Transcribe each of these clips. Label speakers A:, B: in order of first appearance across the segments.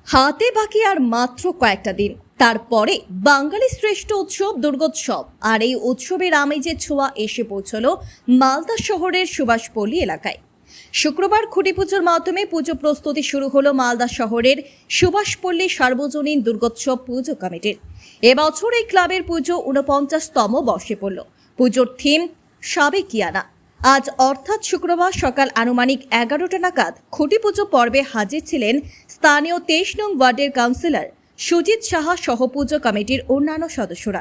A: হাতে বাকি আর মাত্র কয়েকটা দিন, তারপরে বাঙালি শ্রেষ্ঠ উৎসব দুর্গোৎসব। আর এই উৎসবের আমেজের ছোঁয়া এসে পৌঁছলো মালদা শহরের সুভাষপল্লী এলাকায়। শুক্রবার খুঁটি পুজোর মাধ্যমে পুজো প্রস্তুতি শুরু হলো মালদা শহরের সুভাষপল্লী সার্বজনীন দুর্গোৎসব পুজো কমিটির। এবছর এই ক্লাবের পুজো ৪৯তম বর্ষে পড়ল। পুজোর থিম সাবেকিয়ানা। আজ অর্থাৎ শুক্রবার সকাল আনুমানিক 11টা নাগাদ খুঁটি পুজো পর্বে হাজির ছিলেন স্থানীয় 23 নং ওয়ার্ডের কাউন্সিলর সুজিত সাহা সহ পুজো কমিটির অন্যান্য সদস্যরা।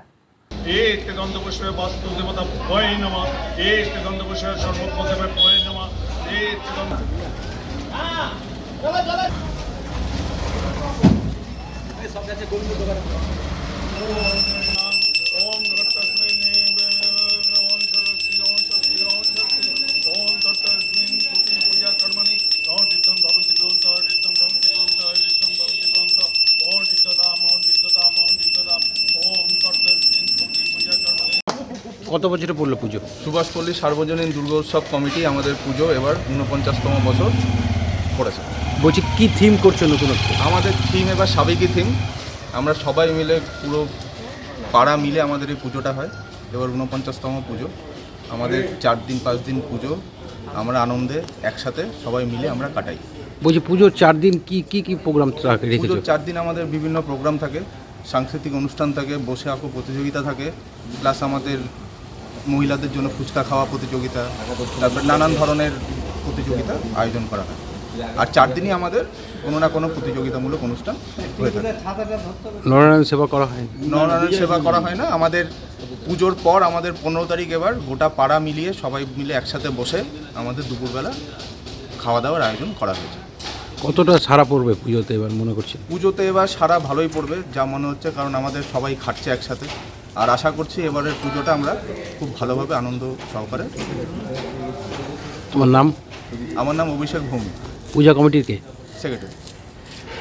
B: কত বছরে পড়লো পুজো?
C: সুভাষপল্লী সার্বজনীন দুর্গোৎসব কমিটি আমাদের পুজো এবার ৪৯তম বছর পড়েছে।
B: বলছি কি থিম করছো নতুনত্ব?
C: আমাদের থিম এবার সাবেকি থিম। আমরা সবাই মিলে পুরো পাড়া মিলে আমাদের এই পুজোটা হয়। এবার ৪৯তম পুজো আমাদের 4 দিন 5 দিন পুজো আমরা আনন্দে একসাথে সবাই মিলে আমরা কাটাই।
B: বলছি পুজোর 4 দিন কি কি কি প্রোগ্রাম রেখেছো?
C: পুজোর 4 দিন আমাদের বিভিন্ন প্রোগ্রাম থাকে, সাংস্কৃতিক অনুষ্ঠান থাকে, বসে আঁকো প্রতিযোগিতা থাকে, প্লাস আমাদের মহিলাদের জন্য ফুচকা খাওয়া প্রতিযোগিতা, তারপর নানান ধরনের প্রতিযোগিতা আয়োজন করা হয়। আর 4 দিনই আমাদের কোনো না কোনো প্রতিযোগিতামূলক অনুষ্ঠান হয়ে থাকে।
B: নরনারায়ণ সেবা করা হয়?
C: নরনারায়ণ সেবা করা হয় না। আমাদের পুজোর পর আমাদের 15 তারিখ এবার গোটা পাড়া মিলিয়ে সবাই মিলে একসাথে বসে আমাদের দুপুরবেলা খাওয়া দাওয়ার আয়োজন করা হয়েছে।
B: কতটা সারা পড়বে পুজোতে এবার মনে করছি?
C: পুজোতে এবার সারা ভালোই পড়বে যা মনে হচ্ছে, কারণ আমাদের সবাই খাটছে একসাথে। আর আশা করছি এবারের পুজোটা আমরা খুব ভালোভাবে আনন্দ সহকারে।
B: তোমার নাম?
C: আমার নাম অভিষেক ভৌমিক,
B: পূজা কমিটির কে?
C: সেক্রেটারি।